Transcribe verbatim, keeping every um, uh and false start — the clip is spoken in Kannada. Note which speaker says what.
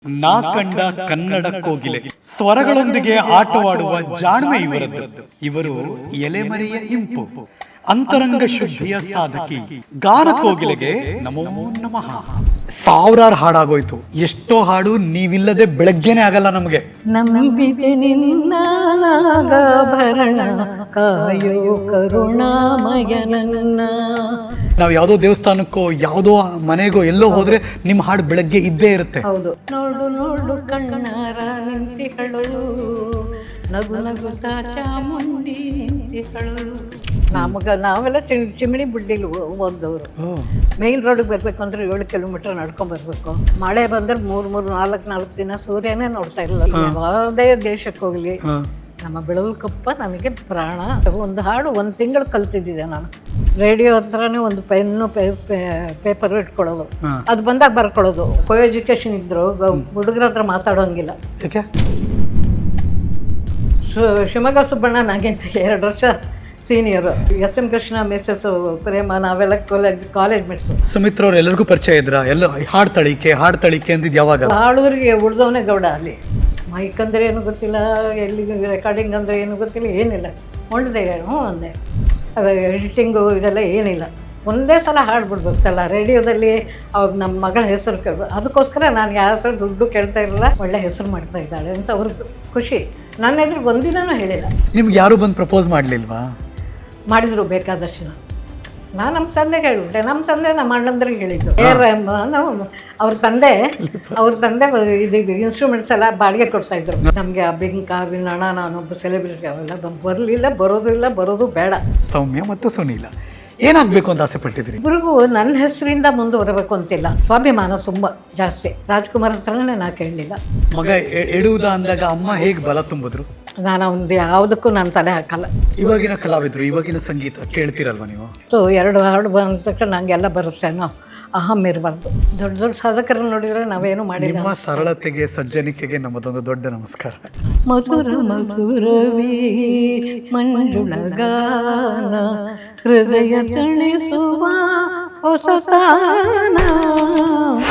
Speaker 1: ನಾ ಕಂಡ ಕನ್ನಡ ಕೋಗಿಲೆ ಸ್ವರಗಳೊಂದಿಗೆ ಆಟವಾಡುವ ಜಾಣ್ಮೆ ಇವರದ್ದು. ಇವರು ಎಲೆಮರೆಯ ಇಂಪು, ಅಂತರಂಗ ಶುದ್ಧಿಯ ಸಾಧಕಿ, ಗಾನ ಕೋಗಿಲೆಗೆ ನಮೋ ನಮಃ. ಸಾವಿರಾರು ಹಾಡಾಗೋಯ್ತು, ಎಷ್ಟೋ ಹಾಡು ನೀವಿಲ್ಲದೆ ಬೆಳಗ್ಗೆನೆ ಆಗಲ್ಲ ನಮಗೆ.
Speaker 2: ನಂಬಿದೆ ನಿನ್ನ ನಾಗಾಭರಣ ಕಾಯೋ ಕರುಣಾಮಯ ನನ್ನ.
Speaker 1: ನಾವು ಯಾವುದೋ ದೇವಸ್ಥಾನಕ್ಕೋ ಯಾವುದೋ ಮನೆಗೋ ಎಲ್ಲೋ ಹೋದ್ರೆ ನಿಮ್ಮ ಹಾಡು ಬೆಳಗ್ಗೆ ಇದ್ದೇ ಇರುತ್ತೆ.
Speaker 2: ಹೌದು. ನೋಡು ನೋಡು ಕಣ್ಣಾರ ನಿಂತಿಗಳು, ನಗು ನಗು ಚಾಮುಂಡಿ ನಿಂತಿಗಳು. ನಮಗ ನಾವೆಲ್ಲ ಚಿಮಿಣಿ ಬುಡ್ಡಿಲಿ ಓದೋರು. ಮೇನ್ ರೋಡಿಗೆ ಬರ್ಬೇಕು ಅಂದ್ರೆ ಏಳು ಕಿಲೋಮೀಟರ್ ನಡ್ಕೊಂಡ್ ಬರ್ಬೇಕು. ಮಳೆ ಬಂದ್ರೆ ಮೂರ್ ಮೂರ್ ನಾಲ್ಕು ನಾಲ್ಕು ದಿನ ಸೂರ್ಯನೇ ನೋಡ್ತಾ ಇಲ್ಲ. ಯಾವುದೇ ದೇಶಕ್ಕೆ ಹೋಗ್ಲಿ ನಮ್ಮ ಬೆಳವಲ್ಕಪ್ಪ ನನಗೆ ಪ್ರಾಣ. ಒಂದು ಹಾಡು ಒಂದು ತಿಂಗಳು ಕಲ್ತಿದ್ದೆ ನಾನು. ರೇಡಿಯೋ ಹತ್ರನೇ ಒಂದು ಪೆನ್ನು ಪೇಪರ್ ಇಟ್ಕೊಳ್ಳೋದು, ಅದು ಬಂದಾಗ ಬರ್ಕೊಳ್ಳೋದು. ಕೋ ಎಜುಕೇಶನ್ ಇದ್ರು ಹುಡುಗರ ಹತ್ರ ಮಾತಾಡೋಂಗಿಲ್ಲ. ಶಿವಮೊಗ್ಗ ಸುಬ್ಬಣ್ಣ ನನಗಿಂತ ಎರಡು ವರ್ಷ senior. S M Krishna Mrs Prema ನಾವೆಲ್ಲ ಕಾಲೇಜ್ ಕಾಲೇಜ್ ಮೆಟ್ಸು.
Speaker 1: ಸುಮಿತ್ರ ಅವ್ರು ಎಲ್ಲರಿಗೂ ಪರಿಚಯ ಇದ್ರ? ಎಲ್ಲ ಹಾಡು ತಳಿಕೆ ಹಾಡು ತಳಿಕೆ ಅಂದಿದ್ದು ಯಾವಾಗ?
Speaker 2: ಹಾಡೋರಿಗೆ ಉಳ್ದವನೇ ಗೌಡ. ಅಲ್ಲಿ ಮೈಕ್ ಅಂದರೆ ಏನು ಗೊತ್ತಿಲ್ಲ, ಎಲ್ಲಿ ರೆಕಾರ್ಡಿಂಗ್ ಅಂದರೆ ಏನು ಗೊತ್ತಿಲ್ಲ, ಏನಿಲ್ಲ. ಹೊಂಡದೆ ಹ್ಞೂ ಒಂದೇ ಎಡಿಟಿಂಗು ಇದೆಲ್ಲ ಏನಿಲ್ಲ. ಒಂದೇ ಸಲ ಹಾಡ್ಬಿಡ್ಬೇಕಲ್ಲ ರೇಡಿಯೋದಲ್ಲಿ. ಅವ್ರು ನಮ್ಮ ಮಗಳ ಹೆಸರು ಕೇಳ್ಬೇಕು. ಅದಕ್ಕೋಸ್ಕರ ನಾನು ಯಾವ ಥರ ದುಡ್ಡು ಕೇಳ್ತಾ ಇರಲಿಲ್ಲ. ಒಳ್ಳೆ ಹೆಸರು ಮಾಡ್ತಾ ಇದ್ದಾಳೆ ಅಂತ ಅವ್ರಿಗೆ ಖುಷಿ. ನನ್ನ ಎದುರು ಒಂದಿನೂ ಹೇಳಿಲ್ಲ.
Speaker 1: ನಿಮ್ಗೆ ಯಾರು ಬಂದು ಪ್ರಪೋಸ್ ಮಾಡಲಿಲ್ವಾ?
Speaker 2: ಮಾಡಿದ್ರು ಬೇಕಾದಷ್ಟು. ನಾನು ನಮ್ಮ ತಂದೆಗೆ ಹೇಳ್ಬಿಟ್ಟೆ. ನಮ್ಮ ತಂದೆ ನಮ್ಮ ಅಣ್ಣಂದ್ರಿಗೆ ಹೇಳಿದ್ದು. ಏ ನಾವು ಅವ್ರ ತಂದೆ ಅವ್ರ ತಂದೆ ಇದು ಇನ್ಸ್ಟ್ರೂಮೆಂಟ್ಸ್ ಎಲ್ಲ ಬಾಡಿಗೆ ಕೊಡ್ತಾ ಇದ್ರು ನಮಗೆ. ಆ ಬಿಂಕ ವಿನಣ ನಾನೊಬ್ಬ ಸೆಲೆಬ್ರಿಟಿ ಅವೆಲ್ಲ ಬರಲಿಲ್ಲ, ಬರೋದು ಇಲ್ಲ, ಬರೋದು ಬೇಡ.
Speaker 1: ಸೌಮ್ಯ ಮತ್ತು ಸುನೀಲ ಏನಾಗಬೇಕು ಅಂತ ಆಸೆ ಪಟ್ಟಿದ್ರಿ?
Speaker 2: ಇಬ್ರಿಗೂ ನನ್ನ ಹೆಸರಿಂದ ಮುಂದುವರಬೇಕು ಅಂತಿಲ್ಲ. ಸ್ವಾಭಿಮಾನ ತುಂಬ ಜಾಸ್ತಿ. ರಾಜ್ಕುಮಾರ್ ಹತ್ರನೇ ನಾ ಕೇಳಲಿಲ್ಲ.
Speaker 1: ಮಗ ಎಡುವುದ ಅಂದಾಗ ಅಮ್ಮ ಹೇಗೆ ಬಲ ತುಂಬಿದ್ರು?
Speaker 2: ನಾನು ಒಂದು ಯಾವುದಕ್ಕೂ ನಾನು ತಲೆ ಹಾಕಲ್ಲ.
Speaker 1: ಇವಾಗಿನ ಕಲಾವಿದರು, ಇವಾಗಿನ ಸಂಗೀತ ಕೇಳ್ತಿರಲ್ವ ನೀವು?
Speaker 2: ಸೊ ಎರಡು ಹಾಡು ಬಂದ ತಕ್ಷಣ ನಂಗೆಲ್ಲ ಬರುತ್ತೇನೋ ಅಹಂ ಇರಬಾರ್ದು. ದೊಡ್ಡ ದೊಡ್ಡ ಸಾಧಕರನ್ನು ನೋಡಿದರೆ ನಾವೇನು ಮಾಡಿಲ್ಲ.
Speaker 1: ನಿಮ್ಮ ಸರಳತೆಗೆ ಸಜ್ಜನಿಕೆಗೆ ನಮ್ಮದೊಂದು ದೊಡ್ಡ ನಮಸ್ಕಾರ.
Speaker 2: ಮಧುರ ಮಧುರವೀ ಮಂಜುಳಗಾನ, ಹೃದಯ ತಣಿಸುವ ಹೊಸ ಸಾನ.